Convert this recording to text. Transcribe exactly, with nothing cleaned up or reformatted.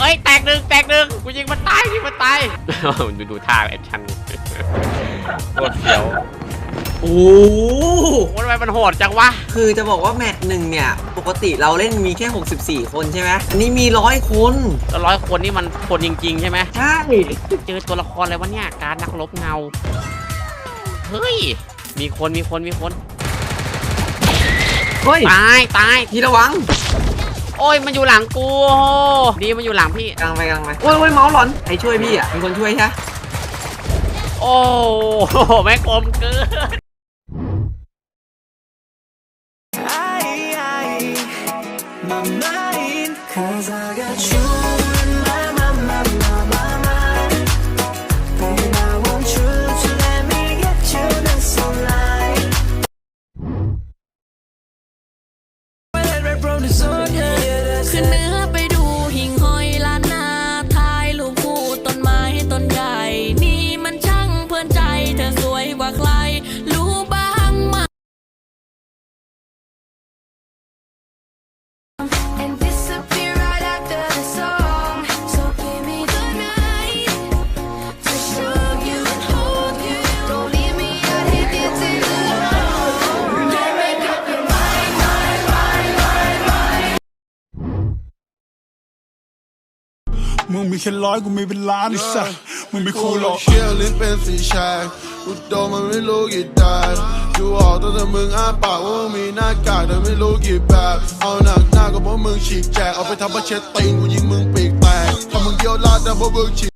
อ้ยแตกหนึ่งแตกหนึ่งกูยิงมันตายยิงมันตายดูดูท่าแอคชั่นโคตรเสียวโอ้โหทำไมมันโหดจังวะคือจะบอกว่าแมตช์หนึ่งเนี่ยปกติเราเล่นมีแค่หกสิบสี่คนใช่ไหมอันนี้มีร้อยคนแล้วร้อยคนนี่มันคนจริงๆใช่ไหมใช่เจอตัวละครอะไรวะเนี่ยการนักรบเงาเฮ้ยมีคนมีคนมีคนเฮ้ยตายตายพี่ระวังโอ้ยมันอยู่หลังกูดีมันอยู่หลังพี่กลางไปกลางไปโอ้ยโอ้ยเมาส์หลอนใครช่วยพี่อ่ะเป็นคนช่วยใช่โอ้แม่กลมเกินขึ้นเนื้อไปดูหิ่งห้อยล้านนาถ่ายรูปคู่ต้นไม้ต้นใหญ่นี่มันช่างเพลินใจเธอสวยกว่าใครรู้บ้างไหมมึงมีแค่ร้อยกูมีเป็นล้านไอ้สัสมึงไม่คูลหรอกเชี่ยวลิ้นเป็นสีชายกูโดนมันไม่รู้กี่ตายดูออกตั้งแต่มึงอ้าปากว่ามึงมีหน้ากากแต่ไม่รู้กี่แบบเอาหนักหน้าก็เพราะมึงฉีกแจกเอาไปทำประเช็ดตีนกูยิงมึงปีกแตกถ้ามึงเยี่ยวลาดแต่เพราะมึงฉีก